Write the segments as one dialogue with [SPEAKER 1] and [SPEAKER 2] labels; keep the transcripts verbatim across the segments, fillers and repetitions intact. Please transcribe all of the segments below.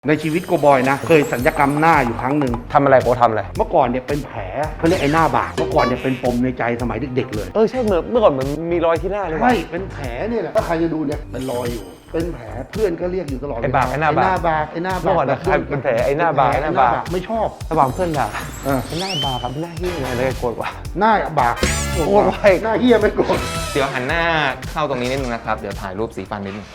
[SPEAKER 1] ในชีวิตโกบอยนะเคยสัญญกรรมหน้าอยู่ครั้งหนึ่ง
[SPEAKER 2] ทำอะไรโกทำอะไร
[SPEAKER 1] เมื่อก่อนเนี่ยเป็นแผลเขาเรียกไอ้หน้าบากเมื่อก่อนเนี่ยเป็นปมในใจสมัยเด็กๆเลย
[SPEAKER 2] เออใช่เหมือนเมื่อก่อนเหมือนมีรอยที่หน้าเลย
[SPEAKER 1] ใช่เป็นแผลเนี่ยแหละถ้าใครจะดูเนี่ยเป็นรอยอยู่เป็นแผลเพื่อนก็เรียกอยู่ตลอดไอ้
[SPEAKER 2] บากไอ้หน้าบาก
[SPEAKER 1] ไอ้หน้าบากไอ้หน้าบาก
[SPEAKER 2] เมื่อก่อนใครเป็นแผลไอ้หน้าบากไอ้หน้าบาก
[SPEAKER 1] ไม่ชอบ
[SPEAKER 2] ระหว่างเพื่อนด่า
[SPEAKER 1] เออ
[SPEAKER 2] ไอ้หน้าบากกับหน้าเฮี้ยอะไรโกรธวะ
[SPEAKER 1] หน้าบาก
[SPEAKER 2] โกรธไว้
[SPEAKER 1] หน้าเฮี้ยไม่โกรธ
[SPEAKER 3] เดี๋ยวหันหน้าเข้าตรงนี้นิดนึงนะครับเดี๋ยวถ่ายรูปสีฟันนิดนึง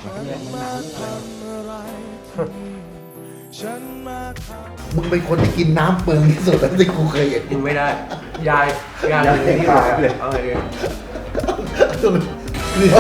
[SPEAKER 1] มึงเป็นคนที่กินน้ำเปลืองที่สุดที่กูเคยเห็น
[SPEAKER 2] กินไม่ได้ยายยายเลยที่หายเลยเอาเลย
[SPEAKER 1] เดี๋ยวเดี๋ยว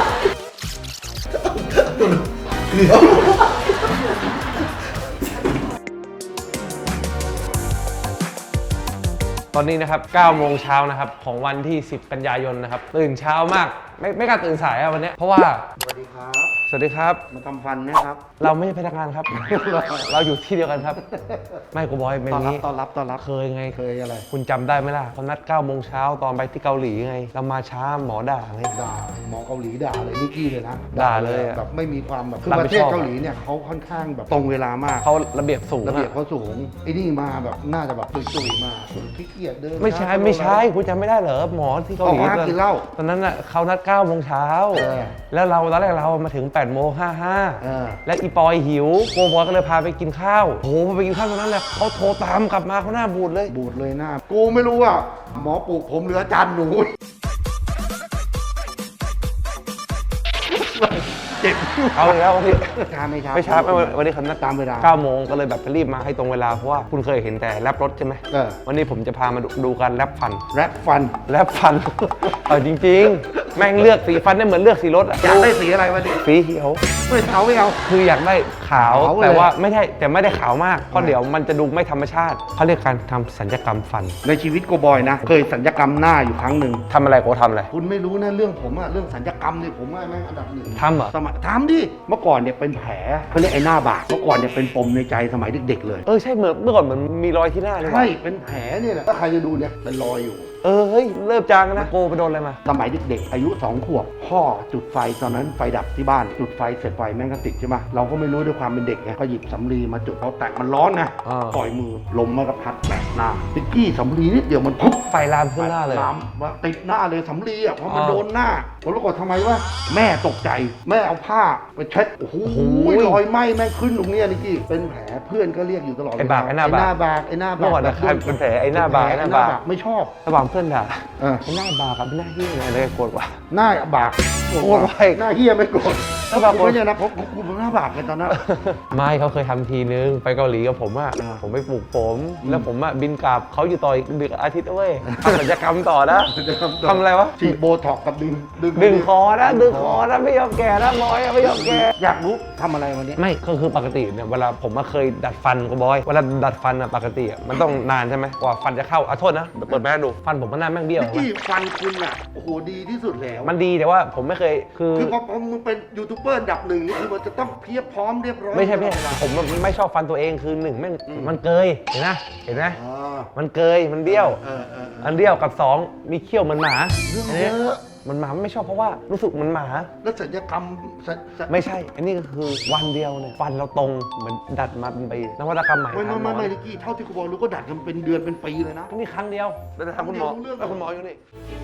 [SPEAKER 2] ตอนนี้นะครับเก้าโมงเช้านะครับของวันที่สิบกันยายนนะครับตื่นเช้ามากไม่ไม่กล้าตื่นสายอะวันนี้เพราะว่า
[SPEAKER 1] สวัสดีครับ
[SPEAKER 2] สวัสดีครับ
[SPEAKER 1] มาทำฟันนะครับ
[SPEAKER 2] เราไม่ใช่พนักงานครับ เราอยู่ที่เดียวกันครับไม่กูบอยเป็นนี้
[SPEAKER 1] ต้อนรับต้อนรับ
[SPEAKER 2] เคยไง
[SPEAKER 1] เคยอะไร
[SPEAKER 2] คุณจำได้ไหมล่ะเขานัดเก้าโมงเช้าตอนไปที่เกาหลีไงเรามาช้าหมอด่าไง
[SPEAKER 1] ด่าหมอเกาหลีด่าเลยนิกกี้เลยนะ
[SPEAKER 2] ด่าเลย
[SPEAKER 1] แบบไม่มีความแบบคือประเทศเกาหลีเนี่ยเขาค่อนข้างแบบตรงเวลามาก
[SPEAKER 2] เขาระเบียบสูง
[SPEAKER 1] ระเบียบเขาสูงไอ้นี่มาแบบน่าจะแบบตุยๆมาขี้เกียจเดิน
[SPEAKER 2] ไม่ใช่ไม่ใช่คุณจำไม่ได้เหรอหมอที่เกาหลี
[SPEAKER 1] กินเหล้า
[SPEAKER 2] ตอนนั้นอ่ะเขานัดเก้าโมงเช้าแล้วเราตอนแรกเรามาถึงแปดโมงห้าห้าและอีปอยหิวโกบอยก็เลยพาไปกินข้าวโอ้โหพอไปกินข้าวตอนนั้นแหละเขาโทรตามกลับมาเขาหน้าบูดเลย
[SPEAKER 1] บูดเลยหน้ากูไม่รู้อ่ะหมอปลูกผมเหลือจานหนูเจ็บ
[SPEAKER 2] เอาเลยแล้วพี่
[SPEAKER 1] ช้าไม่ช้า
[SPEAKER 2] ไม่ช้าไม่วันนี้เขานัด
[SPEAKER 1] ตามเวลา
[SPEAKER 2] เก้าโมงก็เลยแบบรีบมาให้ตรงเวลาเพราะว่าคุณเคยเห็นแต่แรปรถใช่ไหมวันนี้ผมจะพามาดูการแรปฟัน
[SPEAKER 1] แรปฟัน
[SPEAKER 2] แรปฟันเออจริงๆแม่งเลือกสีฟันได้เหมือนเลือกสีรถ
[SPEAKER 1] อยากได้สีอะไรวันนี้
[SPEAKER 2] สีเขียว
[SPEAKER 1] ไม่เอาไม่เอา
[SPEAKER 2] คืออยากได้ขาวแต่ว่าไม่ใช่แต่ไม่ได้ขาวมากเพราะเดี๋ยวมันจะดูไม่ธรรมชาติเขาเรียกการทำสัญญกรรมฟัน
[SPEAKER 1] ในชีวิตโกบอยนะเคยสัญญกรรมหน้าอยู่ครั้งหนึ่ง
[SPEAKER 2] ทำอะไรโกทำอะไร
[SPEAKER 1] คุณไม่รู้นะเรื่องผมอะเรื่องสัญญกรรมเนี่ยผมว่าแม่งอันดับหนึ่ง
[SPEAKER 2] ทำเหรอ
[SPEAKER 1] สมัยทำดิเมื่อก่อนเนี่ยเป็นแผลเขาเรียกไอ้หน้าบากเมื่อก่อนเนี่ยเป็นปมในใจสมัยเด็กๆเลย
[SPEAKER 2] เออใช่เหมือนเมื่อก่อนเหมือนมีรอยที่หน้าเลย
[SPEAKER 1] ใช่เป็นแผลเนี่ยแหละถ้าใครจะดูเนี่ยเป็นรอยอยู่
[SPEAKER 2] เออเฮ้ยเริ่มจางนะโกไปโดนอะไรมา
[SPEAKER 1] สมัยเด็กๆอายุสองขวบพ่อจุดไฟตอนนั้นไฟดับที่บ้านจุดไฟเสร็จไฟแม่งก็ติดใช่ไหมเราก็ไม่รู้ด้วยความเป็นเด็กไงก็หยิบสำลีมาจุดเขาแตกมันร้อนนะปล่อยมือลมมันก็พัดแตกหน้าติ๊กกี้สำลีนิดเดียวมันปุ๊บ
[SPEAKER 2] ไฟลามขึ้นหน้าเลย
[SPEAKER 1] ลามมาติดหน้าเลยสำลีอ่ะเพราะมันโดนหน้าผมรู้ก่อนทำไมวะแม่ตกใจแม่เอาผ้าไปเช็ดโอ้โหรอยไหม้แม่ขึ้นตรงนี้นี่กี้เป็นแผลเพื่อนก็เรียกอยู่ตลอด
[SPEAKER 2] ไอ้บากไอ้หน้าบาก
[SPEAKER 1] ไอ้หน้าบาก
[SPEAKER 2] เมื่อก่อนใครเป็นแผลไอ้หน้าบากไอ้หน้าบาก
[SPEAKER 1] ไม่ชอบ
[SPEAKER 2] ระหว่างเพื่อนด่าไอ้หน้าบากกับหน้าเฮี้ยอะไรโกรธวะ
[SPEAKER 1] หน้าบาก
[SPEAKER 2] โกรธไว้
[SPEAKER 1] หน้าเฮี้ยไม่โกรธหน้าบากไม่ใช่นะเพราะกูเป็นหน้าบากกันตอนนั้น
[SPEAKER 2] ไม่เขาเคยทำทีนึงไปเกาหลีกับผมอ่ะผมไปปลูกผมแล้วผมอ่ะบินกลับเขาอยู่ต่ออีกดึกอาทิตย์ด้วยทำศัลยกรรมต่อนะทำอะไรวะ
[SPEAKER 1] ฉีดโบท็อกกับดึง
[SPEAKER 2] ดึงคอนะดึงคอนะไม่ยอมแก่นะน้อยไม่ยอมแก่
[SPEAKER 1] อยากรู้ทำอะไรวันนี้
[SPEAKER 2] ไม่ก็คือปกติเนี่ยเวลาผมมาเคยดัดฟันก็บอยเวลาดัดฟันอ่ะปกติมันต้องนานใช่ไหมกว่าฟันจะเข้าอ่ะโทษนะเปิดแม่ดูฟันผมมันหน้าแม่งเบี้ยว
[SPEAKER 1] ที่ฟันคุณอ่ะโอ้โหดีที่สุดแล้ว
[SPEAKER 2] มันดีแต่ว่าผมไม่เคยคือ
[SPEAKER 1] คือพอมึงเป็นยูทูบเบอร์ดับหนึ่งนี่คือมันจะต้องเพียบพร้อมเรียบร้อย
[SPEAKER 2] ไม่ใช่ไม่ใช่ผมไม่ชอบฟันตัวเองคือหนึ่งแม่งมันเกยเห็นไหมเห็นไหมมันเกยมันเบี้ยวอันเบี้ยวกับสองมีเขี้ยวเหมือนหมามันหมาไม่ชอบเพราะว่ารู้สึกมันหมา
[SPEAKER 1] แล้วศัลยกรรม
[SPEAKER 2] ไม่ใช่อันนี้ก็คือวันเดียวเนี่ยฟันเราตรงเหมือนดัดมาเป็นปีนวัตกรรมใหม่
[SPEAKER 1] ไม่ไม่ไม่ไม่ลิกี้เท่าที่คุณบอกรู้ก็ดัดกันเป็นเดือนเป็นปีเลยนะ
[SPEAKER 2] นี่ครั้งเดียวแล้วจะทำคุณหมอแล้วคุณหมออยู่นี่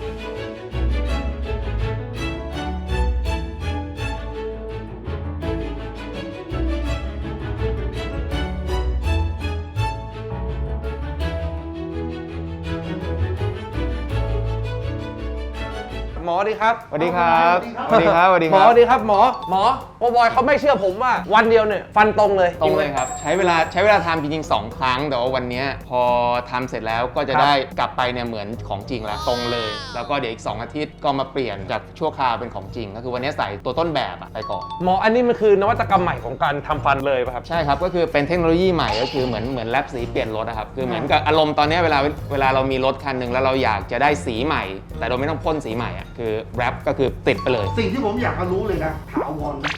[SPEAKER 2] หมอดีครับ
[SPEAKER 3] สวัสดีครับสวัสดีครับสวัสดีครับ
[SPEAKER 2] หมอดีครับหมอหมอโอบอยเขาไม่เชื่อผมว่าวันเดียวเนี่ยฟันตรงเลย
[SPEAKER 3] ตรงเลยครับใช้เวลาใช้เวลาทำจริงๆสองครั้งแต่ว่าวันนี้พอทำเสร็จแล้วก็จะได้กลับไปเนี่ยเหมือนของจริงแล้วตรงเลยแล้วก็เดี๋ยวอีกสองอาทิตย์ก็มาเปลี่ยนจากชั่วคราวเป็นของจริงก็คือวันนี้ใส่ตัวต้นแบบไปก่อน
[SPEAKER 2] หมออันนี้มันคือนวัตกรรมใหม่ของการทำฟันเลยป่ะครับ
[SPEAKER 3] ใช่ครับก็คือเป็นเทคโนโลยีใหม่ก็คือเหมือนเหมือนแรปสีเปลี่ยนรถนะครับคือเหมือนกับอารมณ์ตอนนี้เวลาเวลาเรามีรถคันหนึ่งแล้วเราอยากจะได้สีใหม่แต่เราไม่ต้องพ่นสีใหม่อ่ะคือแรปก็คือติดไปเลย
[SPEAKER 1] สิ่งที่ผมอยากรู้เลยนะถาวร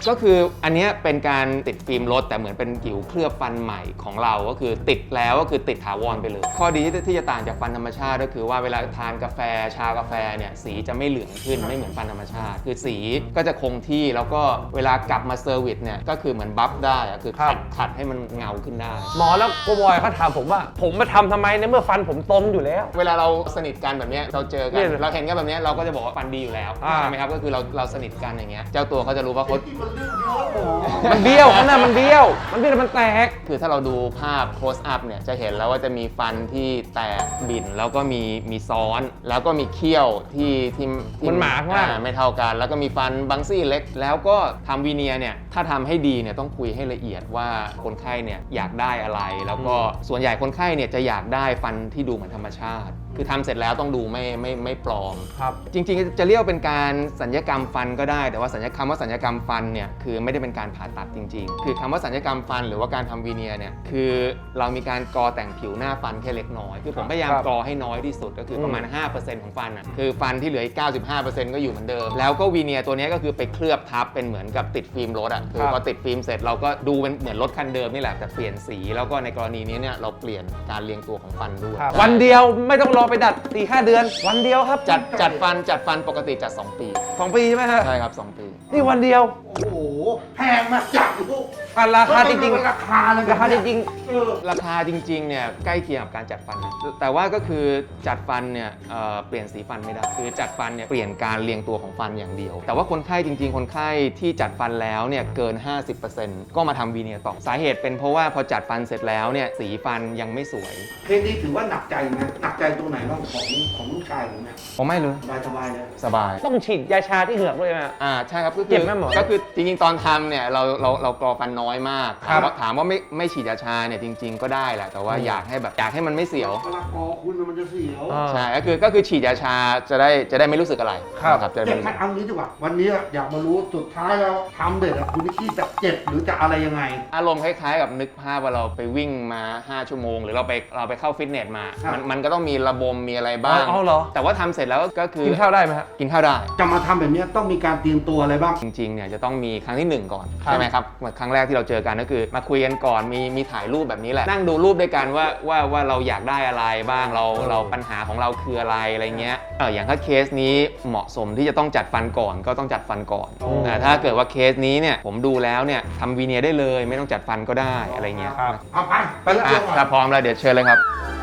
[SPEAKER 3] ก็คืออันเนี้ยเป็นการติดฟิล์มรถแต่เหมือนเป็นผิวเคลือบฟันใหม่ของเราก็คือติดแล้วก็คือติดถาวรไปเลยข้อดีที่จะต่างจากฟันธรรมชาติก็คือว่าเวลาทานกาแฟชากาแฟเนี่ยสีจะไม่เหลืองขึ้นไม่เหมือนฟันธรรมชาติคือสีก็จะคงที่แล้วก็เวลากลับมาเซอร์วิสเนี่ยก็คือเหมือนบัฟได้อะคือขัดขัดให้มันเงาขึ้นได้
[SPEAKER 2] หมอแล้วโกบอยเขาถามผมว่าผมมาทำทำไมในเมื่อฟันผมตรงอยู่แล้ว
[SPEAKER 3] เวลาเราสนิทกันแบบเนี้ยเราเจอกัน
[SPEAKER 2] เนี่ย
[SPEAKER 3] เราเห็นกันแบบเนี้ยเราก็จะบอกว่าฟันดีอยู่แล้ว
[SPEAKER 2] อ่า
[SPEAKER 3] ใช่ไหมครับก็คือเราเราสนิทกันอย่างเงี้ยเจ้าตัวเขาจะรู้ว่าเขา
[SPEAKER 2] มันเบี้ยวข้างหน้ามันเบี้ยว มันเบี้ยวแล้วมันแตก
[SPEAKER 3] คือถ้าเราดูภาพ close up เนี่ยจะเห็นแล้วว่าจะมีฟันที่แตกบิ่นแล้วก็มีมีซ้อน แล้วก็มีเขี้ยวที่ที่ที่
[SPEAKER 2] มันหมาข้างล่าง
[SPEAKER 3] อ่ไม่เท่ากัน แล้วก็มีฟันบางซี่เล็ก แล้วก็ทำวีเนียร์เนี่ยถ้าทำให้ดีเนี่ยต้องคุยให้ละเอียดว่าคนไข้เนี่ยอยากได้อะไร แล้วก็ส่วนใหญ่คนไข้เนี่ยจะอยากได้ฟันที่ดูเหมือนธรรมชาติ คือทำเสร็จแล้วต้องดูไม่ไม่ไม่ปลอม
[SPEAKER 2] ครับ
[SPEAKER 3] จริงๆจะเรียกเป็นการสัญญกรรมฟันก็ได้แต่ว่าสัญญกรรมว่าสัญญกรรมฟันเนี่ยคือไม่ได้เป็นการผ่าตัดจริงๆ คือคำว่าสัญญกรรมฟันหรือว่าการทำวีเนียร์เนี่ยคือเรามีการกอแต่งผิวหน้าฟันแค่เล็กน้อยคือผมพยายาม
[SPEAKER 2] ครับ
[SPEAKER 3] กอให้น้อยที่สุดก็คือประมาณ
[SPEAKER 2] อืม
[SPEAKER 3] ห้าเปอร์เซ็นต์ ของฟันอ่ะคือฟันที่เหลืออีก เก้าสิบห้าเปอร์เซ็นต์ ก็อยู่เหมือนเดิมแล้วก็วีเนียร์ตัวนี้ก็คือไปเคลือบทับเป็นเหมือนกับติดฟิล์มรถอ่ะคือพอติดฟิล์มเสร็จเราก็ดูเป็นเหมือนรถคันเดิมนี่แหละแต่เปลี่ยนสีแล้วก็ในกรณีนี้เนี่ยเราเปลี่ยนการเรียงตัวของฟันด้วย
[SPEAKER 2] ครับวันเดียวไม่ต้องรอไปดัดสี่ห้าเดือน วันเดียวครับ
[SPEAKER 3] จัดจัดฟันจัดฟันปกติจัดสองปี
[SPEAKER 2] สองปีใช่ไหมฮะ
[SPEAKER 3] ใช่ครับสองปี
[SPEAKER 2] นี่วันเดียว
[SPEAKER 1] โอ้โหแพงมากจัดลูก
[SPEAKER 2] อ่ะราคาจริง
[SPEAKER 1] ราคาเลย
[SPEAKER 2] ๆราคาจริง
[SPEAKER 1] เออ
[SPEAKER 3] ราคาจริงๆเนี่ยใกล้เคียงกับการจัดฟันนะแต่ว่าก็คือจัดฟันเนี่ยเอ่อเปลี่ยนสีฟันไม่ได้คือจัดฟันเนี่ยเปลี่ยนการเรียงตัวของฟันอย่างเดียว แต่ว่าคนไข้จริงๆ คนไข้ที่จัดฟันแล้วเนี่ยเกิน ห้าสิบเปอร์เซ็นต์ ก็มาทำวีเนียร์ต่อสาเหตุเป็นเพราะว่าพอจัดฟันเสร็จแล้วเนี่ยสีฟันยังไม่สวย
[SPEAKER 1] เพลงนี้ถือว่าหนักใจไหมหนักใจตรงไหนบ้างของของลูกชายผมเนี่ย
[SPEAKER 3] ผมไม่เลย
[SPEAKER 1] สบายสบายเลย
[SPEAKER 3] สบาย
[SPEAKER 2] ๆ ต้องฉีดยาชาที่เหงือกด้วยไหมฮะ
[SPEAKER 3] อ่าใช่ครับก็คื
[SPEAKER 2] เจ็บไหมหมอ
[SPEAKER 3] ก็คือจริงๆ ตอนทำเนี่ยเราเราเรากรอฟันน้อยมาก
[SPEAKER 2] ครั
[SPEAKER 3] ถาม
[SPEAKER 2] บ
[SPEAKER 3] ว่าถามว่าไม่ไม่ฉีดยาชาเนี่ยจริง ๆ ก็ได้แหละแต่ว่าอยากให้แบบอยากให้มันไม่เสียว
[SPEAKER 1] เวลาคอคุณมันจะเสียว
[SPEAKER 2] อ่า
[SPEAKER 3] ใช่ก็คือก็คือฉีดยาชาจะได้จะได้ไม่รู้สึกอะไร
[SPEAKER 2] ครับ
[SPEAKER 3] นะจะได้
[SPEAKER 1] เจ็
[SPEAKER 3] ไม่
[SPEAKER 1] บ
[SPEAKER 3] รู้
[SPEAKER 1] ขั
[SPEAKER 3] สึ
[SPEAKER 1] ด
[SPEAKER 3] ก
[SPEAKER 1] เอางี้ดีกว่า วันนี้อยากมารู้สุดท้ายแล้วทำเด็ดอะคุณนิกกี้จะเจ็บหรือจะอะไรยังไง
[SPEAKER 3] อารมณ์คล้ายๆกับนึกภาพว่าเราไปวิ่งมา ห้า ชั่วโมง หรือเราไปเราไปเข้าฟิตเนสมา
[SPEAKER 1] ครับ
[SPEAKER 3] มันมันก็ต้องมีระบมมีอะไรบ้าง
[SPEAKER 2] เอาเอาเหรอ
[SPEAKER 3] แต่ว่าทำเสร็จแล้วก็คือ
[SPEAKER 2] กินข้าวได้ไหมฮะ
[SPEAKER 3] กินข้าวได้
[SPEAKER 1] จะมาทำแบบนี้ต้องมีการเตรียมตัวอะไรบ้าง
[SPEAKER 3] จริงๆเนี่ยจะต้องมีครั้งที่หนึ่งก่อน
[SPEAKER 2] ครับ
[SPEAKER 3] ใช่ไหมครับเหมือนครั้งแรกที่เราเจอกันก็คือ มาคุยกันก่อนมีมีถ่ายรูปแบบนี้แหละนั่งดูรูปด้วยกันว่าว่าว่าเราอยากได้อะไรบ้างเราเราปัญหาของเราคืออะไรอะไรเงี้ยเอออย่างถ้าเคสนี้เหมาะสมที่จะต้องจัดฟันก่อนก็ต้องจัดฟันก่อน
[SPEAKER 2] โอ้
[SPEAKER 3] แต่ถ้าเกิดว่าเคสนี้เนี่ยผมดูแล้วเนี่ยทำวีเนียร์ได้เลยไม่ต้องจัดฟันก็ได้อะไรเงี้ย
[SPEAKER 2] ครับ
[SPEAKER 1] เอาไป ไปแล้ว
[SPEAKER 3] อ่ะถ้าพร้อมแล้วเดี๋ยวเชิญเลยครับ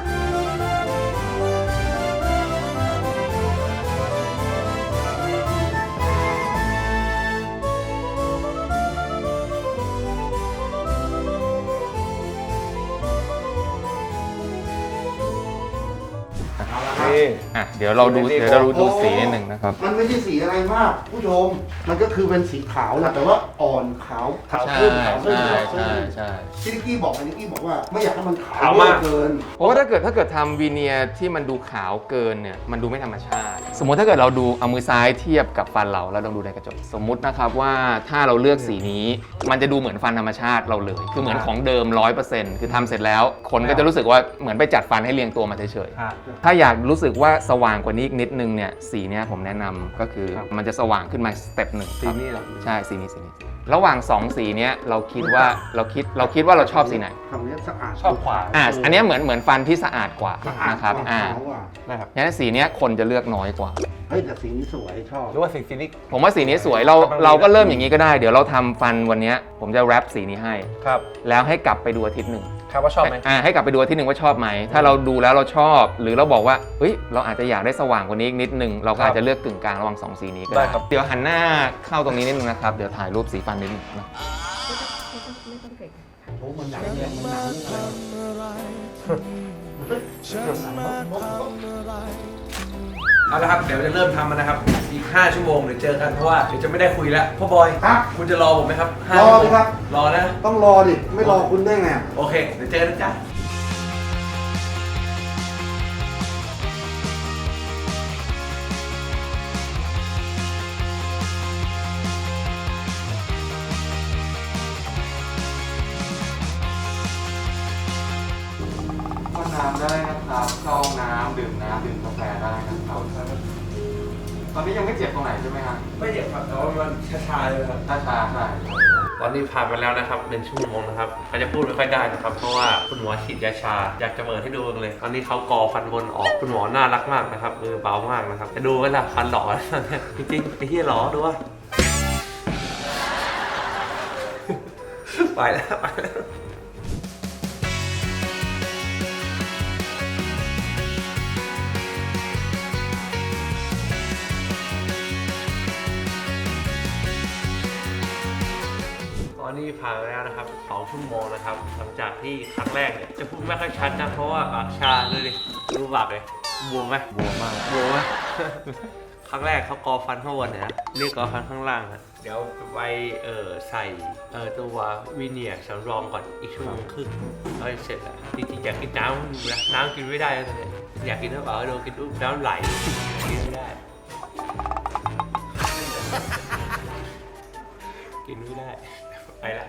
[SPEAKER 2] นี่
[SPEAKER 3] อ่ะเดี๋ยวเราดู
[SPEAKER 2] ดูใน
[SPEAKER 3] เดี๋ยวเราดู
[SPEAKER 1] โอ้
[SPEAKER 3] ดูสีนิดหนึ่งนะครับ
[SPEAKER 1] มันไม่ใช่สีอะไรมาก ผู้ชม มันก็คือเป็นสีขาวแหละแต่ว่าอ่อนขาวขาว
[SPEAKER 3] ใช่
[SPEAKER 1] ขึ้นขาวขึ้น
[SPEAKER 3] ใช่
[SPEAKER 1] ขาวขึ้
[SPEAKER 3] ใช่
[SPEAKER 1] น
[SPEAKER 3] ใช่
[SPEAKER 1] ที่นิกกี้บอกไงนิกกี้บอกว่าไม่อยากให้มันขา
[SPEAKER 2] ขาว วมาก
[SPEAKER 1] เกิน
[SPEAKER 3] เพราะว่าถ้าเกิดถ้าเกิดทำวีเนียร์ที่มันดูขาวเกินเนี่ยมันดูไม่ธรรมชาติ สมมติถ้าเกิดเราดูเอามือซ้ายเทียบกับฟันเราแล้วลองดูในกระจกสมมุตินะครับว่าถ้าเราเลือกสีนี้ มันจะดูเหมือนฟันธรรมชาติเราเลย คือเหมือนของเดิม ร้อยเปอร์เซ็นต์ คือทำเสร็จแล้ว คนก็จะรู้สึกว่าเหมือนไปจัดฟันให้เรียงตัวมาเฉยๆ
[SPEAKER 2] ครับ
[SPEAKER 3] ถ้าอยากรู้สึกว่าสว่างกว่านี้อีกนิดนึงเนี่ยสีเนี้ยผมแนะนำก็คือ
[SPEAKER 2] ครับ
[SPEAKER 3] มันจะสว่างขึ้นมาสเต็ปหนึ่ง
[SPEAKER 2] สีนี้เหรอ
[SPEAKER 3] ใช่สีนี้สีนี้ระหว่างสองสีเนี้ยเราคิดว่าเราคิดเราคิดว่าเราชอบสีไหน
[SPEAKER 1] คำนี้สะอาด
[SPEAKER 2] ชอบขวา
[SPEAKER 3] อ่าอันเนี้ยเหมือนเหมือนฟันที่สะอาดกว่า
[SPEAKER 1] สะอาด
[SPEAKER 3] นะครับ
[SPEAKER 1] กว่า
[SPEAKER 3] อ่า
[SPEAKER 1] ขาวกว่า
[SPEAKER 2] นะครับ
[SPEAKER 3] งั้นสีเนี้ยคนจะเลือกน้อยกว่า
[SPEAKER 1] เฮ้ยแต่สีนี้สวยชอบ
[SPEAKER 2] หรือว่าสีสีนี้
[SPEAKER 3] ผมว่าสีนี้สวยเรา
[SPEAKER 2] กำลังดี
[SPEAKER 3] เราก็เริ่มอย่างนี้ก็ได้ เดี๋ยวเราทำฟันวันเนี้ยผมจะแรปสีนี้ให้
[SPEAKER 2] ครับ
[SPEAKER 3] แล้วให้กลับไปดูอาทิตย์หนึ่ง
[SPEAKER 2] ครับว่าชอบไหม
[SPEAKER 3] อ่าให้กลับไปดูอาทิตย์หนึ่งว่าชอบไหมถ้าเราดูแล้วเราชอบ หรือเราบอกว่าเฮ้ยเราอาจจะอยากได้สว่างกว่านี้อีกนิดนึงเราก็อาจจะเลือกกึ่งกลางระหว่างสองสีนี้ก็
[SPEAKER 2] ได้
[SPEAKER 3] ได้
[SPEAKER 2] ครับ
[SPEAKER 3] เดี๋ยวหันหน้าเข้าตรงนี้นิดนึงนะครับเดี๋ยวถ่ายรูปสีฟันนิดนึงนะ
[SPEAKER 1] โอ้มันหนังเนี่ยมันหนังอะไร
[SPEAKER 2] เอาละครับ เดี๋ยวจะเริ่มทำมันนะครับ อีก ห้า ชั่วโมงเดี๋ยวเจอกันเพราะว่าเดี๋ยวจะไม่ได้คุยแล้วพ่อบอย
[SPEAKER 1] ครับ
[SPEAKER 2] คุณจะรอผมไหมครับห้าร
[SPEAKER 1] อ
[SPEAKER 2] ชั่วโมง
[SPEAKER 1] สิครับ
[SPEAKER 2] รอนะ
[SPEAKER 1] ต้องรอดิ ไม่รอคุณได้ไง
[SPEAKER 2] โอเค เดี๋ยวเจอกันนะจ๊ะ
[SPEAKER 3] เข้าน้ำได้นะครับเข้าน้ำดื่มน้ำดื่มกาแฟได้นะครับตอนนี้ยังไม่เจ็บตรงไหนใช่ไหมครับ
[SPEAKER 2] ไม่เจ็บครับแต่ว่ามันชาๆเลยครับ
[SPEAKER 3] ชาชาใช่
[SPEAKER 2] ตอนนี้ผ่านไปแล้วนะครับหนึ่งชั่วโมงนะครับเขาจะพูดไม่ค่อยได้นะครับเพราะว่าคุณหมอฉีดยาชาอยากจะเปิดให้ดูเลยตอนนี้เขากอฟันบนออกคุณหมอน่ารักมากนะครับมือเบามากนะครับจะดูเวลาฟันหล่อ จริงๆไอ้เหี้ยหล่อดูว่าไปแล้วไปแล้วตอนนี้ผ่านไปแล้วนะครับสองชั่วโมงนะครับหลังจากที่ครั้งแรกเนี่ยจะพูดไม่ค่อยชัดนะเพราะว่าปากชาเลยดิดูปากเลยบวมไหมบวมมากบวมไหม ครั้งแรกเขากอฟันข้างบนเนี่ยนะนี่กอฟันข้างล่างนะเดี๋ยวไปเออใส่เออตัววีเนียร์สำรองก่อนอีกชั่วโมงครึ่งแล้วเสร็จแล้วจริงๆอยากกินน้ำนะน้ำกินไม่ได้แล้วเนี่ยอยากกินน้ำเปล่าโดนกินอุ๊บน้ำไหลกินไม่ได้ กินไม่ได้ไปละ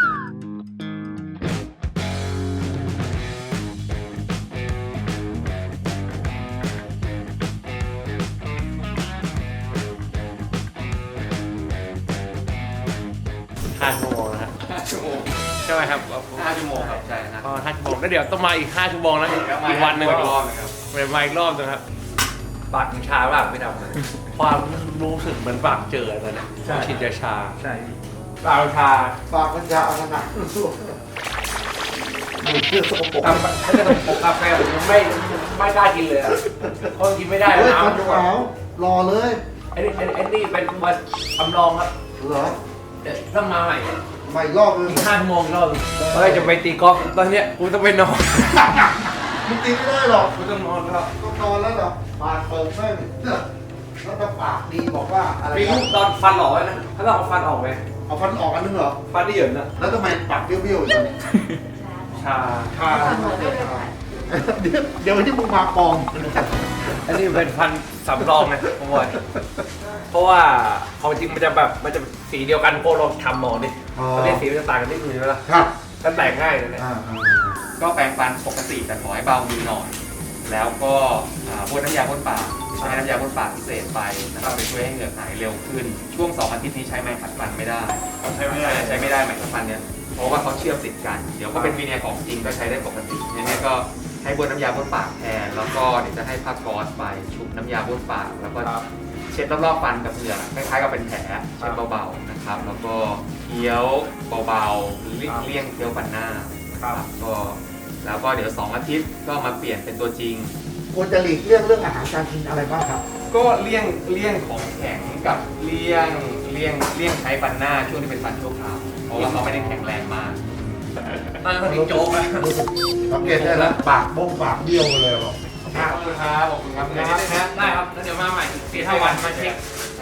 [SPEAKER 2] ห้าชั่วโมงนะฮะ
[SPEAKER 3] ห้าชั่วโมง
[SPEAKER 2] ใช่ไหมครับ
[SPEAKER 3] ห้าชั่วโมงครับใช่นะ
[SPEAKER 2] ก็ห้าชั่วโมงแล้วเดี๋ยวต้องมาอีกห้าชั่วโมงนะอีกวันหนึ่ง
[SPEAKER 3] อีกรอบหนึงครับ
[SPEAKER 2] เดี๋ยวมาอีกรอบหนึงครับปากมันชามากไม่ทำเลยความรู้สึกเหมือนปากเจอตอนนี้ฉีดยาชาใช่ปากชา
[SPEAKER 1] ปากมันจะเอาขนาดนั้นสู้มือเพื่อสกปรก
[SPEAKER 2] ถ้าถ้าจะต้องปกกาแฟผมไม่ไม่กล้ากินเลยอ่ะเพราะกินไม่ได้
[SPEAKER 1] เฮ้ย
[SPEAKER 2] น้ำ
[SPEAKER 1] ฟันขาวรอเลย
[SPEAKER 2] ไอ้นี่ไอ้นี่ไอ้นี่เป็นตัวทำรองครับ
[SPEAKER 1] เหรอ
[SPEAKER 2] เดี๋ยวต้องมาใหม่
[SPEAKER 1] ใหม่รอบนึง
[SPEAKER 2] อีกห้าชั่วโมงอีกรอบเฮ้ยจะไปตีกอล์ฟตอนเนี้ยกูต้องไปนอน
[SPEAKER 1] มึงตีไม่ได้หรอก
[SPEAKER 2] กูต้องนอนครับ
[SPEAKER 1] ต้องนอนแล้วเหรอปากเปิดแม่งแล้วถ้าปากดีบอกว่าอะไร
[SPEAKER 2] มีลูกตอนฟันหล่อไว้นะถ้าเราเอาฟันออกไหม
[SPEAKER 1] เอาฟันออกอันนึงเหรอ
[SPEAKER 2] ฟันที่เหยินนะ
[SPEAKER 1] แล้วทำไมปากเบี้ยวๆอยู่ตอนนี้
[SPEAKER 2] ชา
[SPEAKER 1] ชาเดี๋ยวเดี๋ยววันที่มึงมาปลอม
[SPEAKER 2] อันนี้เป็นฟันสำรองไงผมบอกเพราะว่าของจริงมันจะแบบมันจะสีเดียวกันพวกเราทำหมอนี่ตอนนี้สีมันจะต่างกันนิดนึงใช่ไหมล่ะ
[SPEAKER 1] ครับ
[SPEAKER 2] ก็แตกง่ายเลยเนี่ย
[SPEAKER 1] อ่า
[SPEAKER 3] ก็แปรงฟันปกติแต่ขอให้เบามือหน่อยแล้วก็อ่าพ่นน้ำยาพ่นปากใช้น้ำยาพ่นปากพิเศษไปนะครับไปช่วยให้เหงือกหายเร็วขึ้น ช่วงสองอาทิตย์นี้ใช้ไม้ขัดฟันไม่ได้
[SPEAKER 2] ใช่ไหมล่ะ
[SPEAKER 3] ใช้ไม่ได้ไม้ขัดฟันเนี่ยเพราะว่าเขาเชื่อมติดกัน เดี๋ยวก็เป็นวีเนียร์ของจริงก็ใช้ได้ปกติยังไงก็ให้บนน้ำยาพ่นปากแทนแล้วก็เดี๋ยวจะให้ผ้าก๊อซไปชุบน้ำยาพ่นปากแล้วก็เช็ดรอบๆฟันกับเหงือกคล้ายๆกับเป็นแผลเช็ดเบาๆนะครับแล้วก็เคี้ยวเบาๆเลี่ยงเลี่ยงเคี้ยวฟันหน้าครับก็แล้วก็เดี๋ยวสองอาทิตย์ก็มาเปลี่ยนเป็นตัวจริง
[SPEAKER 1] ควรจะหลีกเลี่ยงเรื่องอาหารการกินอะไรบ้างครับ
[SPEAKER 3] ก็เลี่ยงเลี่ยงของแข็งกับเลี่ยงเลี่ยงเลี่ยงใช้ฟันหน้าช่วงที่เป็นฟันชั่วคราวเพราะว่าเขาไม่ได้แข็งแรงมาก
[SPEAKER 2] ตอนนั้นเขาโจ๊กอะ
[SPEAKER 1] สังเกตได้แล้วปากบ้งปากเบี้ยวเลยบอก
[SPEAKER 3] ขอบคุณครับขอบคุณครับได้ได้นะ
[SPEAKER 2] ได้ครับแล้วเดี๋ยวมาใหม่สี่ห้าวันมาเช็ค
[SPEAKER 3] ใช่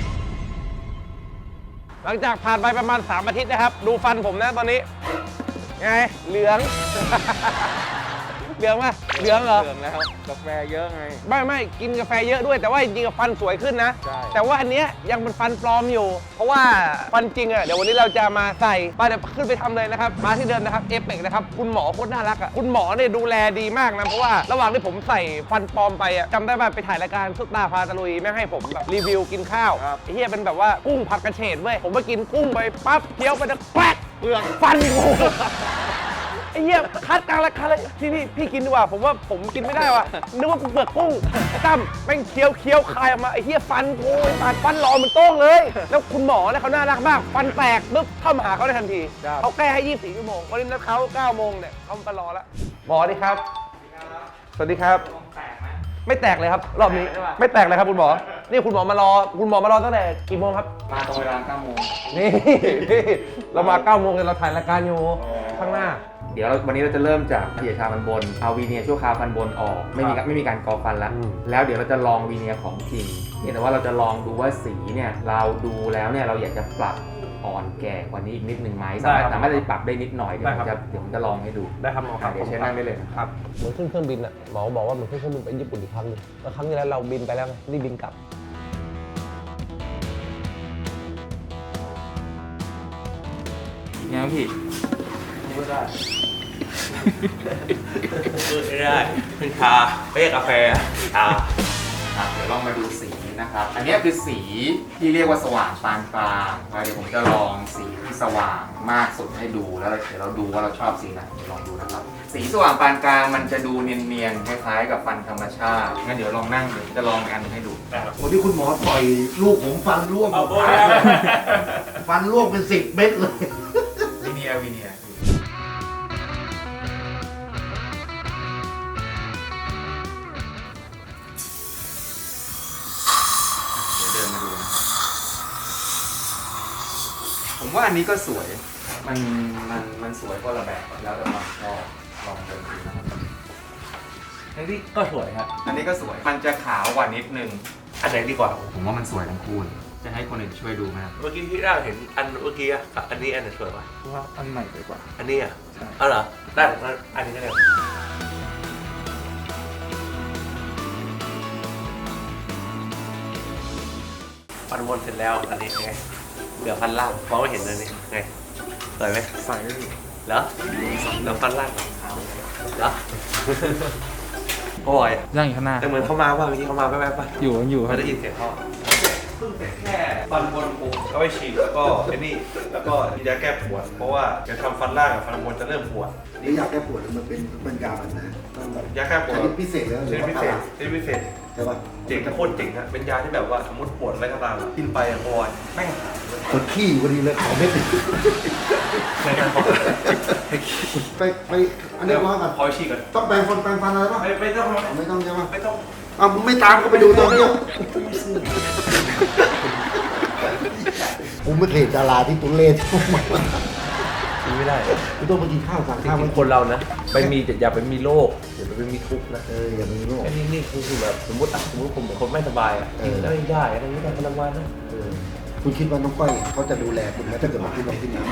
[SPEAKER 2] หลังจากผ่านไปประมาณสามอาทิตย์นะครับ ดูฟันผมนะตอนนี้ไงเหลือง เหลืองไหมเหลืองเหรอ
[SPEAKER 3] เหลืองแล้วกาแฟเยอะไง
[SPEAKER 2] ไม่ไม่กินกาแฟเยอะด้วยแต่ว่าจริงๆฟันสวยขึ้นนะ
[SPEAKER 3] ใช่
[SPEAKER 2] แต่ว่าอันเนี้ยยังเป็นฟันปลอมอยู่ เพราะว่าฟันจริงอ่ะเดี๋ยววันนี้เราจะมาใส่ไปเดี๋ยวขึ้นไปทำเลยนะครับมาที่เดิมนะครับเอฟเฟกนะครับคุณหมอโคตรน่ารักอ่ะคุณหมอเนี่ยดูแลดีมากนะเพราะว่าระหว่างที่ผมใส่ฟันปลอมไปอ่ะจำได้ป่ะไปถ่ายรายการซุปตาพาตะลุยแม่งให้ผมแบบรีวิวกินข้าวไอ้เหี้ยเป็นแบบว่ากุ้งผัดกระเฉดเว้ยผมไปกินกุ้งไปปั๊บเคี้ยวไปแล้วแป๊กเปลือกฟันกู ไอ้เหี้ยคัดกลางราคาเลยพี่พี่พี่กินดีกว่าผมว่าผมกินไม่ได้ว่ะนึกว่ากูเปลือกกุ้งตั้มแม่งเคี้ยวเคี้ยวคายออกมาไอ้เหี้ยฟันกูตัดฟันหลอมมันโต้งเลย แล้วคุณหมอเนี่ยเขาน่ารักมากฟันแตกปึ๊บเข้ามาหาเขาได้ทันทีเขาแก้ให้ยี่สิบสี่ชั่วโมงวันนี้นัดเขาเก้าโมงเนี่ยเขามารอแล้วหมอดีครับสวัสดีครับไม่แตกเลยครับรอบนี้ไม่แตกเลยครับคุณหมอนี่คุณหมอมารอคุณหมอมารอตั้งแต่กี่โมงครับ
[SPEAKER 3] มาตรงเวลาเก้าโมง
[SPEAKER 2] นี่นี่เรามาเก้าโมงเลยเราถ่ายรายการอยู่ข้างหน้า
[SPEAKER 3] เดี๋ยววันนี้เราจะเริ่มจากเกียร์ชาฟันบนเอาวีเนียร์ชั่วคราวฟันบนออกไม่มีไม่มีการกอฟันแล้ว
[SPEAKER 2] อืม
[SPEAKER 3] แล้วเดี๋ยวเราจะลองวีเนียร์ของจริงเพียงแต่ว่าเราจะลองดูว่าสีเนี่ยเราดูแล้วเนี่ยเราอยากจะปรับอ่อนแก่กว่านี้อีกนิดนึงไหมสามารถสามารถจะปรับได้นิดหน่อยเดี๋ยวผมจะเดี๋ยวผมจะลองให้ดู
[SPEAKER 2] ได้ครับหมอครับ
[SPEAKER 3] เดี๋ยวเชิญนั่งได้เลยนะครับ
[SPEAKER 2] เหมือนขึ้นเครื่องบินอ่ะหมอบอกว่าเหมือนขึ้นเครื่องบินไปญี่ปุ่นอีกครั้งหนึงแล้วครั้งที่แล้วเราบินไปแล้วไงรีบบินกลับ
[SPEAKER 3] ไงพี่
[SPEAKER 2] ไม่ได้ไม่ได้เป็นชาไม่ใช่กาแฟชา
[SPEAKER 3] อ่ะเดี๋ยวลองมาดูสีนะครับ อันนี้คือสีที่เรียกว่าสว่างปานกลางเดี๋ยวผมจะลองสีที่สว่างมากสุดให้ดูแล้วเดี๋ยวเราดูว่าเราชอบสีไหนลองดูนะครับสีสว่างปานกลางมันจะดูเนียนๆคล้ายๆกับฟันธรรมชาติงั้นเดี๋ยวลองนั่งเดี๋ยวจะลองอันให้ดู
[SPEAKER 1] โอ้ที่คุณหมอต่อยลูกผมฟันร่วงหมดฟันร่วงเป็นสิบเม็ดเลย
[SPEAKER 3] วิเนียวิเนียเดี๋ยวเดินมาดูนะครับผมว่าอันนี้ก็สวยมันมันมันสวยคนละแบบแล้วแต่ความชอบลองเดินดูนะครับ
[SPEAKER 2] อันนี้ก็สวยครับ
[SPEAKER 3] อันนี้ก็สวยมันจะขาวกว่านิดนึง
[SPEAKER 2] อันไหนดีกว่า
[SPEAKER 3] ผมว่ามันสวยทั้งคู่เลยจะให้คนอื่นช่วยดูไหมครับ
[SPEAKER 2] เมื่อกี้ที่เราเห็นอันเมื่อกี้อะกับอันนี้อันไหนสวยกว่า
[SPEAKER 4] ว่าอันใหม่ดีกว่า
[SPEAKER 2] อันนี้อ่ะอ๋อเหรอได้งั้นอันนี้ก็ได้ฟันบนเสร็จแล้วอันนี้ไงเหลือฟันล่างมองไม่เห็นเลยนี่ไงสวยไหม
[SPEAKER 4] ใส่ไม่อยู่
[SPEAKER 2] เหรอเหลือฟันล่างเหรอโอ้ย
[SPEAKER 4] ย่างอยู่ข้างหน้า
[SPEAKER 2] แต่เหมือนเขามาว่าเมื่อกี้เขามาแป๊บๆป่ะ
[SPEAKER 4] อยู่อยู่ค
[SPEAKER 2] ไม่
[SPEAKER 4] รับ
[SPEAKER 2] ได้ยินเสียงเขาเพิ่งเสร็จแค่ฟันบนปูก็ไปฉีดแล้วก็ไอ้นี่แล้วก็ยาแก้ปวดเพราะว่าจะทำฟันล่างกับฟันบนจะเริ่มปวด
[SPEAKER 1] นี่อยากแก้ปวดมันเป็นเป็นยาแบบไหนต้องแบบ
[SPEAKER 2] ยาแก้ปวด
[SPEAKER 1] ชนิดพิเศษแล้วห
[SPEAKER 2] ช
[SPEAKER 1] รือ
[SPEAKER 2] นิด
[SPEAKER 1] ว่า
[SPEAKER 2] พิเศ
[SPEAKER 1] ต
[SPEAKER 2] ษ
[SPEAKER 1] ลาด
[SPEAKER 2] ชนิดพิเศษ
[SPEAKER 1] ใช่ป่ะ
[SPEAKER 2] เจ๋งโคตรเจ๋งอะเป็นยาที่แบบว่าสมมติปวดอะไรก็ตามอะกินไปอะพอยแม่งหายเลย
[SPEAKER 1] คนขี้พอดีเลยขอเม็ดหนึ่ง
[SPEAKER 2] ในการพอ
[SPEAKER 1] ไปไปอันนี้ว่ากัน
[SPEAKER 2] พอยฉีกกัน
[SPEAKER 1] ต้องแปรงฟันแปรงฟันอะไรป่ะ
[SPEAKER 2] ไม่ไม่ต้อง
[SPEAKER 1] ไม่ต้องใช่ป่ะ
[SPEAKER 2] ไม่ต้อง
[SPEAKER 1] อ้าวมึงไม่ตามก็ไปดูตอนเนี้ยผมไม่เคยเห็นดาราที่ตุเล่ที่พวกมัน
[SPEAKER 2] กินไม่ได้
[SPEAKER 1] กูต้องไปกินข้าวสั่ง
[SPEAKER 2] จ
[SPEAKER 1] ข้าว
[SPEAKER 2] ริ
[SPEAKER 1] มั
[SPEAKER 2] ง
[SPEAKER 1] น
[SPEAKER 2] ๆคนเรานะไปมีอย่าไปมีโรคอย่าไปมีทุกข์นะ
[SPEAKER 1] เอออย่าไปโรค
[SPEAKER 2] ไอ้นี่นี่คือแบบสมมติอ่ะสมมติผมเป็นคนไม่สบายอ่ะ
[SPEAKER 1] เอ
[SPEAKER 2] กิ
[SPEAKER 1] อ
[SPEAKER 2] นอะไรได้อะไรไม่ได้พลังงานนะ
[SPEAKER 1] เออคุณคิดว่าน้องก้อยเขาจะดูแลคุณไหมถ้าเกิดมาที่เราที่นี่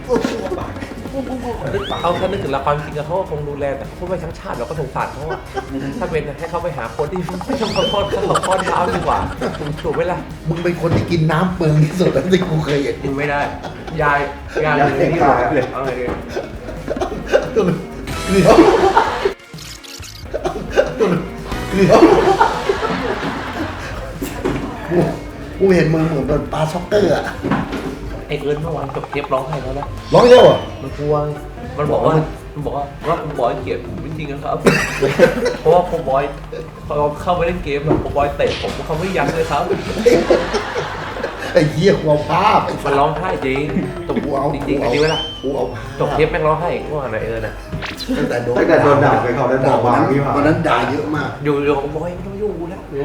[SPEAKER 2] เขาแค่นึกถึงละครจริงๆเขาก็คงดูแลแต่เขาไม่ทั้งชาติเราก็สงสารเขาอะถ้าเป็นให้เขาไปหาคนที่ไม่ต้องขอโทษเขาขอโทษเท้าดีกว่าถูกไหมล่ะ
[SPEAKER 1] มึงเป็นคนที่กินน้ำเปลืองที่สุดแล้วที่กูเคยเห็น
[SPEAKER 2] มึงไม่ได้ ยายยาย
[SPEAKER 1] ยาย
[SPEAKER 2] เลยที่
[SPEAKER 1] ตาย
[SPEAKER 2] เลยเอาไงดี
[SPEAKER 1] เกลียวเกลียวกูกูเห็นมึงเหมือนโดนปลาช็อกเกอร์อะ
[SPEAKER 2] ไอเอิญเมื่อวานจบเทปร้องไห้แล้วนะ
[SPEAKER 1] ร้องเยอะเหรอ
[SPEAKER 2] มันกลัวมันบอกว่ามันบอกว่าว่าคุณบอยเกลียดผมจริงๆนะครับ เพราะว่าคุณบอยเขาเข้าไปเล่นเกมอะคุณบอยเตะผมเขาไม่ยั้งเลยครับ
[SPEAKER 1] ไอ้เหี้ยกูเอาภาพไอ้
[SPEAKER 2] มันร้องไห้จริงตบ
[SPEAKER 1] กูเอา
[SPEAKER 2] จริงๆไอ้นี่เวลา
[SPEAKER 1] กูเอาภาพ
[SPEAKER 2] จบเทปแม่งร้องไห้เมื่อวานไอเอิญอะ
[SPEAKER 1] ตั้งแต่โดน
[SPEAKER 5] ตั้งแต่โดนด่าไปเขาได้ด่า
[SPEAKER 1] วันนั้น
[SPEAKER 5] วางนี่หว่า
[SPEAKER 1] วันนั้นด่าเยอะมาก
[SPEAKER 2] อยู่อยู่ของบอยไม่ต้องยุ่งกูแล้วอยู่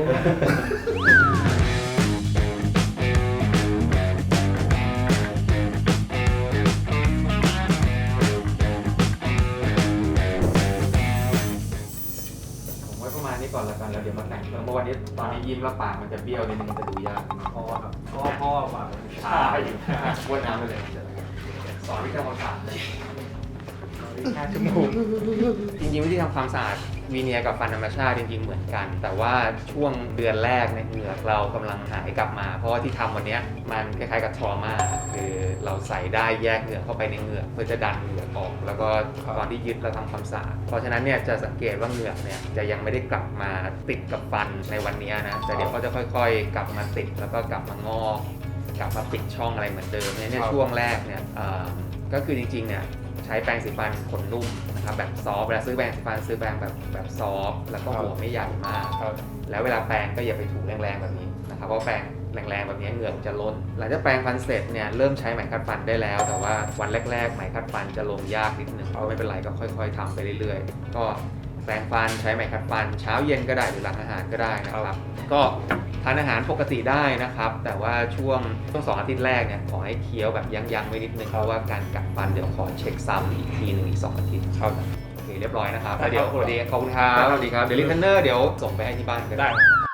[SPEAKER 3] ผมไว้ประมาณนี้ก่อนละกันแล้วเดี๋ยวมาแต่งเพราะวันนี้ตอนนี้ยิ้มแล้วปากมันจะเบี้ยวนิดนึงมันจะดูยากเพราะว่าครับเพราะพ่อปากมันชาอยู่บ้วนน้ำไปเลยสอนวิธีทำความสะอาดเลยห้าชั่วโมงจริงๆวิธีทำความสะอาดวีเนียร์กับฟันธรรมชาติจริงๆเหมือนกัน แต่ว่าช่วงเดือนแรกเนี่ยเหงือกเรากำลังหายกลับมา เพราะว่าที่ทำวันเนี้ยมันคล้ายๆกับทรมาคือเราใส่ได้แยกเหงือกเข้าไปในเหงือกเพื่อจะดันเหงือกออก แล้วก็ตอนที่ยึดเราทำความสะอาดเพราะฉะนั้นเนี่ยจะสังเกตว่าเหงือกเนี่ยจะยังไม่ได้กลับมาติดกับฟันในวันนี้นะแต่เดี๋ยวเขาจะค่อยๆ กลับมาติดแล้วก็กลับมางอกกลับมาปิดช่องอะไรเหมือนเดิมเนี่ยช่วงแรกเนี่ยเอ่อก็คือจริงๆเนี่ยใช้แปรงสีฟันขนนุ่มนะครับแบบซอฟต์เวลาซื้อแปรงสีฟันซื้อแปรงแบบแบบซอฟต์แล้วก็หัวไม่ใหญ่มาก แล้วเวลาแปรงก็อย่าไปถูแรงๆแบบนี้นะครับเพราะแปรงแรงๆแบบนี้เหงือกจะล้นหลังจากแปรงฟันเสร็จเนี่ยเริ่มใช้ไหมขัดฟันได้แล้ว แต่ว่าวันแรกๆไหมขัดฟันจะลงยากนิดนึงเอาไม่เป็นไรก็ค่อยๆทำไปเรื่อยๆก็แปรงฟันใช้ไหมขัดฟันเช้าเย็นก็ได้หรือหลังอาหารก็ได้นะครับก็ทานอาหารปกติได้นะครับแต่ว่าช่วงช่วงสองอาทิตย์แรกเนี่ยขอให้เคี้ยวแบบยั้งๆไว้นิดนึงเพราะว่าการกัดฟันเดี๋ยวขอเช็คซ้ำอีกทีหนึ่งอีกสองอาทิตย์ครับโอเคเรียบร้อยนะครับแล้วเดี๋ยวสวัสดีขอบคุณครับสวัสดีครับเดี๋ยวลิเทนเนอร์เดี๋ยวส่งไปให้ที่บ้านก็ได้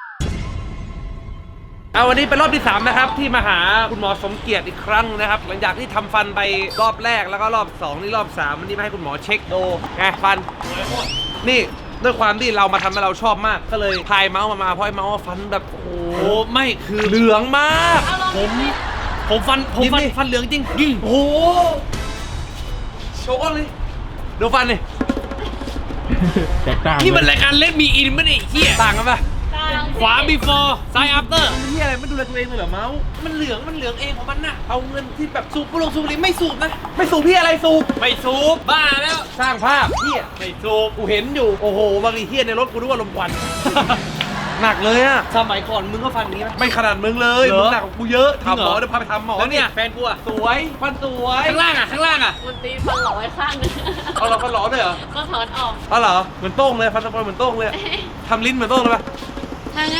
[SPEAKER 2] เอาวันนี้เป็นรอบที่สามนะครับที่มาหาคุณหมอสมเกียรติอีกครั้งนะครับหลังจากที่ทำฟันไปรอบแรกแล้วก็รอบสองนี่รอบสามวันนี้มาให้คุณหมอเช็คดูไงฟันนี่ด้วยความที่เรามาทำให้เราชอบมากก็เลยพายเมาส์มามาเพราะไอ้เมาส์ว่าฟันแบบโอ้โห
[SPEAKER 4] โอ้ไม่คือ
[SPEAKER 2] เหลืองมาก
[SPEAKER 4] ผมผมฟันผมฟัน
[SPEAKER 2] ยิ้มดิ
[SPEAKER 4] ฟันเหลืองจริงยิงโอ้โห
[SPEAKER 2] โชว์ก่อนเลยดูฟันเลย
[SPEAKER 4] แตกต่างนี่มันรายการเล่นมีอินไม่ได้เฮีย
[SPEAKER 2] ต่างกันปะ
[SPEAKER 6] ต่
[SPEAKER 4] ขวา before ซ้าย after
[SPEAKER 2] มันที่อะไรไม่ดูแลตัวเองเลยเหรอเมาส์
[SPEAKER 4] มันเหลืองมันเหลืองเองของมันน่ะ
[SPEAKER 2] เอาเงินที่แบบ
[SPEAKER 4] สูบบุหรี่สูบบุหรี่ไม่สูบนะ
[SPEAKER 2] ไม่สูบพี่อะไรสูบ
[SPEAKER 4] ไม่สูบบ้าแล้ว
[SPEAKER 2] สร้างภาพเฮีย
[SPEAKER 4] ไม่สูบ
[SPEAKER 2] กูเห็นอยู่โอ้โหบางทีเฮียในรถกูนึกว่าลมควัน หนักเลยอะ
[SPEAKER 4] สมัยก่อนมึงก็ฟันอย่างนี้ไหม
[SPEAKER 2] ไม่ขนาดมึงเลย
[SPEAKER 4] เหรอ
[SPEAKER 2] มึงหนักกว่ากูเยอะ
[SPEAKER 4] จริงเหรอ
[SPEAKER 2] ทำหมอเดี๋ยวพาไปทำหมอ
[SPEAKER 4] แล้วเนี่ยแฟนกูอะ
[SPEAKER 2] สวยฟันสวย
[SPEAKER 4] ข้างล่างอะข้างล่างอะ
[SPEAKER 5] มันตีฟันหลอไว้ข้างหนึง
[SPEAKER 2] เอาเราฟันหลอด้วยเหรอ
[SPEAKER 5] ก็ถอนออก
[SPEAKER 2] เอาเหรอเหมือนโต้งเลยฟันสปอยเหมือนโต้งเลยทำลิ้นเหมือนโต้งเลยปะ
[SPEAKER 5] ทางแง่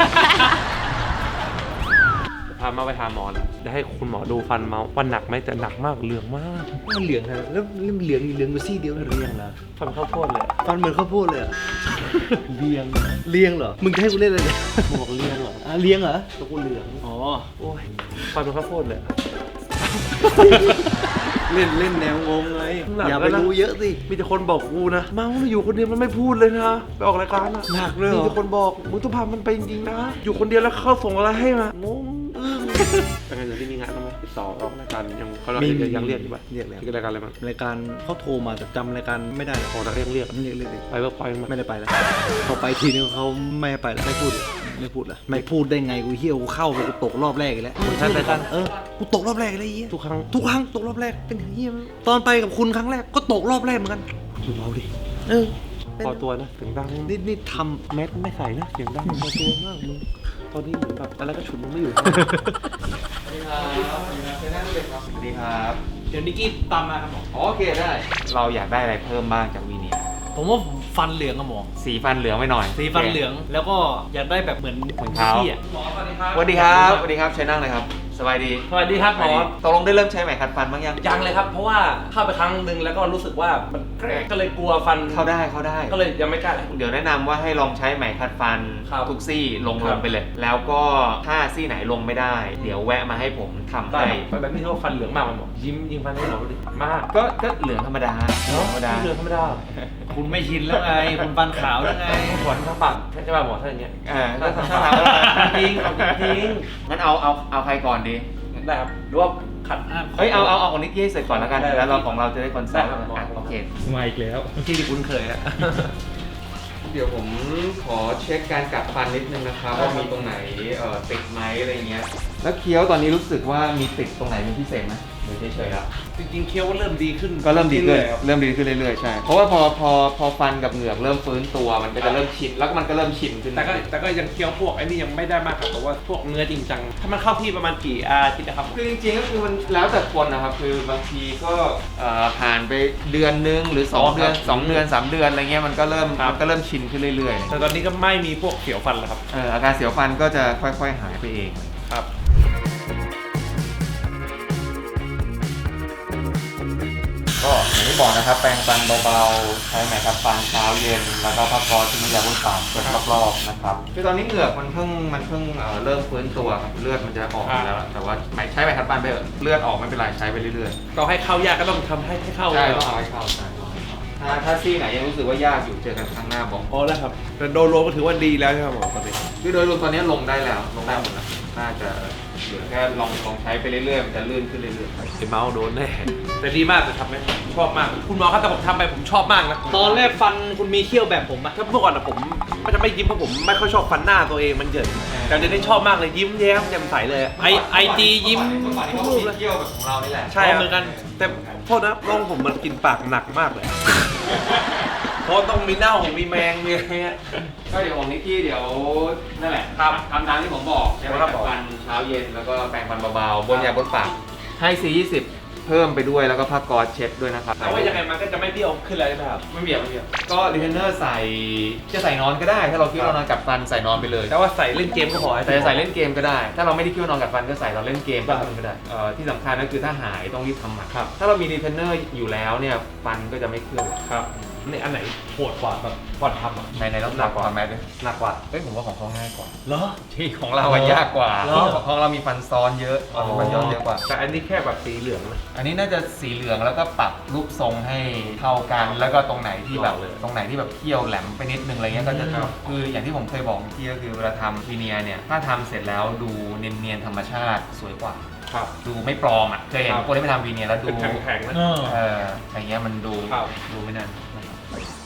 [SPEAKER 2] พามาไปหาหมอแล้วจะให้คุณหมอดูฟันเมาฟันหนักไหมแต่หนักมากเหลืองมากมันเหลืองนะแล้วเหลืองเหลืองอยู่ซี่เดียวเรียงนะฟันข้าวโพดเลย
[SPEAKER 6] ฟันเหมือนข้าวโพดเลยอะ เลียงเลียงเหรอ มึงจะให้กูเล่นอะไรเนี่ย
[SPEAKER 2] บอกเรียงเหรอ
[SPEAKER 6] อ่ะเลียงเหรอ
[SPEAKER 2] ตัวกูเหลือง
[SPEAKER 6] อ๋อ
[SPEAKER 2] โอ้ยฟันเป็นข้าวโพดเลย
[SPEAKER 6] เล่นเล่นแนวงงไง
[SPEAKER 2] หนัก
[SPEAKER 6] อย่าไป
[SPEAKER 2] แล้วนะ
[SPEAKER 6] รู้เยอะสิ
[SPEAKER 2] มีแต่คนบอกกูนะเมาอยู่คนเดียวมันไม่พูดเลยนะไปออกรายการอะ
[SPEAKER 6] หนักเลยเหรอ
[SPEAKER 2] มีแต่คนบอกมึงต้องพามันไปจริงๆนะอยู่คนเดียวแล้วเขาส่งอะไรให้มางงอึ้งเป็นไงเดี๋ยวที่มีงานต้องไหมติดต่อออกรายการยังเขาเรายังเรียกอยู่ปะ
[SPEAKER 6] เรียกแล้ว
[SPEAKER 2] คือรายการอะไรมั้ง
[SPEAKER 6] รายการเขาโทรมาแต่จำรายการไม่ได้
[SPEAKER 2] โอ้แต่ก็ยังเรียก
[SPEAKER 6] เรียกเรียกเรียก
[SPEAKER 2] ไปเวิร์กพอยต์มั้ย
[SPEAKER 6] ไม่ได้ไปแล้วพอไปทีนึงเขาไม่ให้ไปแล้วไม่พูดเลยไม่พูดละไม่พูดได้ไงกูเฮี้ยวกูเข้าไปกูตกรอบแรกอีกแล้ว
[SPEAKER 2] คนท่านรายการ
[SPEAKER 6] เออกูตกรอบแรกอีกแล้วไอ้เฮี้ย
[SPEAKER 2] ทุกครั้ง
[SPEAKER 6] ทุกครั้งตกรอบแรกเป็นอย่างเฮี้ยมั้ยตอนไปกับคุณครั้งแรกก็ตกรอบแรกเหมือนกันเบาดิเออ
[SPEAKER 2] พอตัวนะเสียงดัง
[SPEAKER 6] นี่นี่ท
[SPEAKER 2] แมสไม่ใส่นะเสียงดังพอตัวมากมึงตอนนี้เหมือนแบบอะไรก็ฉุนมึงไม่อยู่
[SPEAKER 3] สวัสดีครับ
[SPEAKER 4] เดี๋ยวนิกกี้ตามมาครับหมอ
[SPEAKER 3] โอเคได้ เราอยากได้อะไรเพิ่มบ้างจากวีเนียร์
[SPEAKER 4] ผมว่าผมฟันเหลืองอะหมอ
[SPEAKER 3] สีฟันเหลืองไปหน่อย
[SPEAKER 4] สีฟันเหลืองแล้วก็อยากได้แบบเหมือน
[SPEAKER 3] เหมือนเขา
[SPEAKER 4] พี่อะหมอสวัสดีครับ
[SPEAKER 3] สวัสดีครับสวัสดีครับใช้นั่งเลยครับ สบายดี
[SPEAKER 4] สวัสดีครับหมอ
[SPEAKER 3] ตกลงได้เริ่มใช้ไหมขัดฟันบ้างยัง
[SPEAKER 2] ยังเลยครับ เพราะว่าเข้าไปครั้งหนึ่งแล้วก็รู้สึกว่ามันแกรกก็เลยกลัวฟัน
[SPEAKER 3] เข้าได้เข้าได้
[SPEAKER 2] ก็เลยยังไม่กล้าเลย
[SPEAKER 3] เดี๋ยวแนะนำว่าให้ลองใช้ไหมขัดฟัน
[SPEAKER 2] ครับ
[SPEAKER 3] ทุกซี่ลง
[SPEAKER 2] ครั
[SPEAKER 3] ล
[SPEAKER 2] บ
[SPEAKER 3] งไปเลย แล้วก็ถ้าซี่ไหนลงไม่ได้ เดี๋ยวแวะมาให้ผมทำ
[SPEAKER 2] ได้
[SPEAKER 3] ให้
[SPEAKER 2] ครับแบบนี้เขาฟันเหลืองมากมันบอกยิ้มยิงฟันให้หมอดูดิมาก
[SPEAKER 3] ก็ก็เหลืองธรรมดาเหลืองธรรมดา
[SPEAKER 2] เหลืองธรรมดา
[SPEAKER 4] คุณไม่ชินแล้วไงคุณฟันขาวแล้วไง
[SPEAKER 2] ขวัญทั้งปากใช่ป่ะหมอถ้าอย่างเงี้ย
[SPEAKER 3] เออก็ทำทำแล้ว
[SPEAKER 2] จริงเอาจริง
[SPEAKER 3] งั้นเอาเอาเอาใครก่อนดี
[SPEAKER 2] ได้ครับหรือว่าขัด
[SPEAKER 3] เฮ้ยเอาเอาเอาของนิกกี้เสร็จก่อนแล้วกัน
[SPEAKER 2] ได้
[SPEAKER 3] แล้วเราของเราจะได้คอนเซ็ปต์
[SPEAKER 2] ได้ครับ
[SPEAKER 3] อ่ะโอเค
[SPEAKER 6] มาอีกแล้ว
[SPEAKER 2] ที่ที่คุ้นเคยอะ
[SPEAKER 3] เดี๋ยวผมขอเช็คการกัดฟันนิดนึงนะครับว่ามีตรงไหนเอ่อติดไหมอะไรเงี้ย แล้วเคี้ยวตอนนี้รู้สึกว่ามีติดตรงไหนเป็นพิเศษไหมหรือเฉยๆแล้ว
[SPEAKER 2] จริงๆเคี้ยวก็เริ่มดีขึ้น
[SPEAKER 3] ก็เริ่มดีขึ้น
[SPEAKER 2] อยๆครับ
[SPEAKER 3] เริ่มดีขึ้นเรื่อยๆใช่ เพราะว่าพอพอพอฟันกับเหงือกเริ่มฟื้นตัวมันก็จะเริ่มชินแล้วก็มันก็เริ่มชินขึ้น
[SPEAKER 2] แต่ก็แต่ก็ยังเคี้ยวพวกไอ้นี่ยังไม่ได้มากครับเพราะว่าพวกเนื้อจริงจังถ้ามันเข้าที่ประมาณกี่อาทิตย์นะครับ
[SPEAKER 3] คือจริงๆก็คือมันแล้วแต่คนนะครับคือบางทีก็เอ่อผ่านไปเดือนนึงหรือสอง
[SPEAKER 2] อ๋อครับ
[SPEAKER 3] เดือนสองเดือนสามเดือนอะไรเงี้ยมันก็เริ่ม
[SPEAKER 2] ครับ
[SPEAKER 3] มันก็เริ่มชินขึ้นเรื่อยๆ
[SPEAKER 2] แต่ตอนนี้ก็ไม่มีพวกเสียวฟันแล้วครับ
[SPEAKER 3] เอ่ออาการเสียวฟันก็จะค่อยๆหายไปเอง
[SPEAKER 2] ครับ
[SPEAKER 3] ก็อย่างที่บอกนะครับแปรงฟันเบาๆใช้ไหมครับฟันเช้าเย็นแล้วก็พักร้อนที่น้ำยาบนปากเปิดรอบๆนะครับคือตอนนี้เหงือกมันเพิ่งมันเพิ่งเอ่อเริ่มฟื้นตัวครับเลือดมันจะออกอยู่แล้ว แต่ว่าไหมใช้ไหมครับฟันไปเถอะเลือดออกไม่เป็นไรใช้ไปเรื่อย
[SPEAKER 2] ก็ให้เข้ายากก็ต้องทำให้ให้เข้า
[SPEAKER 3] ๆใช่
[SPEAKER 2] เลย
[SPEAKER 3] ต้องเอาให้เข้าใช่ถ้าถ้าซี่ไหนยังรู้สึกว่ายากอยู่เจอกันครั้งหน้าบอก
[SPEAKER 2] อ๋อแล้วครับแต่โดยรวมก็ถือว่าดีแล้วใช่ไหมหมอตอนนี้
[SPEAKER 3] คือโดยรวมตอนนี้ลงได้แล้วลงได้หมดแล้วน่าจะเหลือแค่ลองลองใช้ไปเรื่อยๆมันจะลื่นขึ้นเรื่อยๆ
[SPEAKER 2] ไอ้เมาส์โดนแน่แต่ดีมากแต่ทำไหมชอบมาก คุณหมอครับแต่ผมทำไปผมชอบมากนะ
[SPEAKER 4] ตอนแรกฟันคุณมีเขี้ยวแบบผมปะ
[SPEAKER 2] ถ้าเมื่อก่อนอะผมมันจะไม่ยิ้มเพราะผมไม่ค่อยชอบฟันหน้าตัวเองมันเหยินแต่เดี๋ยวนี้ชอบมากเลยยิ้มแย้มแจ่มใสเลยอะ
[SPEAKER 4] ไอไอจียิ้ม
[SPEAKER 3] เมื่อก่อนที่เขามีเที่ยวแบบของเรานี่แหละ
[SPEAKER 2] ใช่
[SPEAKER 4] อ๋อ
[SPEAKER 2] อะ
[SPEAKER 4] เหมือนกัน
[SPEAKER 2] แต่โทษนะน้องผมมันกินปากหนักมากเลย เพราะต้องมีเน่ามีแมงมีอะไรเงี้ย
[SPEAKER 3] ก็เดี๋ยวของนิกกี้เดี๋ยวนั่นแหละครับทำตามที่ผมบอกใช้ไหมครับฟันเช้าเย็นแล้วก็แปรงฟันเบาๆบนยาบนปากให้ ซี ยี่สิบ เพิ่มไปด้วยแล้วก็ผ้าก๊อซเช็ดด้วยนะครับ
[SPEAKER 2] แต่ว่ายังไงมันก็จะไม่เบี้ยวขึ้นเลยนะครับ
[SPEAKER 3] ไม่เบียดไม่เบียดก็รีเทนเนอร์ใส่จะใส่นอนก็ได้ ถ้าเราคิดว่าเรานอนกัดฟันใส่นอนไปเลย
[SPEAKER 2] แต่ว่าใส่เล่นเกมก็พอ
[SPEAKER 3] แต่จะใส่เล่นเกมก็ได้ ถ้าเราไม่ได้คิดว่านอนกัดฟันก็ใส่เราเล่นเกมก็ทำก็ได้เอ่อที่สำคัญก็คือถ้าหายต้องรีบทำหมัน
[SPEAKER 2] ครับ
[SPEAKER 3] ถ้าเรามีรีเทนเนอร์อยู่แล้วเนี่ยฟันก็จะไม่เคลื่อน
[SPEAKER 2] ครับนี่อันไหนโหดกว่าแบบก่อนทำอ่ะ
[SPEAKER 3] ในในต้องหนักกว่าไหมด้วย
[SPEAKER 2] หนักกว่า
[SPEAKER 3] เฮ้ยผมว่าของเขาง่ายกว่า
[SPEAKER 2] เหรอ
[SPEAKER 3] ที่ของเราอะยากกว่า
[SPEAKER 2] เหรอ
[SPEAKER 3] ของเรามีฟันซ้อนเยอะของเราฟันย้อนเยอะกว่า
[SPEAKER 2] แต่อันนี้แค่แบบสีเหลืองนะ
[SPEAKER 3] อันนี้น่าจะสีเหลืองแล้วก็ปรับรูปทรงให้เท่ากัน แล้วก็ตรงไหนที่แบบ
[SPEAKER 2] เลย
[SPEAKER 3] ตรงไหนที่แบบเคี้ยวแหลมไปนิดนึงอะไรเงี้ยก็จะคืออย่างที่ผมเคยบอกเมื่อกี้ก็คือเวลาทำวีเนียร์เนี่ยถ้าทำเสร็จแล้วดูเนียนๆธรรมชาติสวยกว่า
[SPEAKER 2] ครับ
[SPEAKER 3] ดูไม่ปลอมอ่ะเคยเห็น
[SPEAKER 2] ครับ
[SPEAKER 3] คนที่ไม่ทำวีเนียร์แล้วดู
[SPEAKER 2] เป็นแข็งๆนะ
[SPEAKER 4] เออ
[SPEAKER 3] เอออย่างเงี้ยมันดู
[SPEAKER 2] ครับ
[SPEAKER 3] ดูไม่นั่นนะครับ